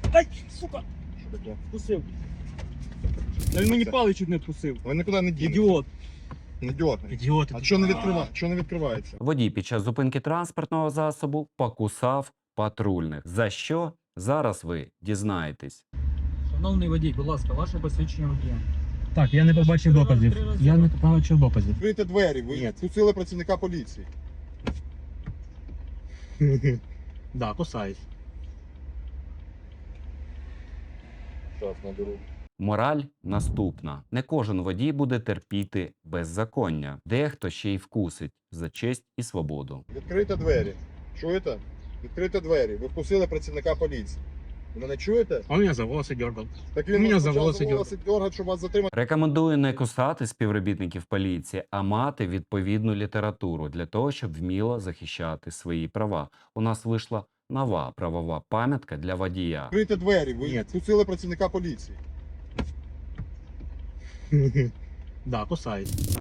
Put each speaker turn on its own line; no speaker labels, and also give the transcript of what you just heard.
Ай, сука,
Що таке?
вкусив. Та він мені палець чуть не вкусив.
Ви нікуди не дінете.
Ідіот.
Не дьоргай.
Ідіот.
А що не відкривається? Що не відкривається?
Водій під час зупинки транспортного засобу покусав патрульних. За що? Зараз ви дізнаєтесь.
Шановний водій, будь ласка, ваше посвідчення водія. Так, я не побачив доказів. Я не побачив доказів.
Відкрийте двері, ви
Ні.
впустили працівника поліції.
Да, кусаюсь.
Зараз наберу.
Мораль наступна. Не кожен водій буде терпіти беззаконня. Дехто ще й вкусить за честь і свободу.
Відкрийте двері. Чуєте? Відкрийте двері. Ви впустили працівника поліції. Ви мене чуєте?
Он меня за волосы дергал.
Так
У мене
вас
за
почав
волоси
дергати, щоб вас затримати.
Рекомендую не кусати співробітників поліції, а мати відповідну літературу для того, щоб вміло захищати свої права. У нас вийшла нова правова пам'ятка для водія.
Відкрийте двері. Ви
Ні.
впустили працівника поліції.
Да, кусаюсь.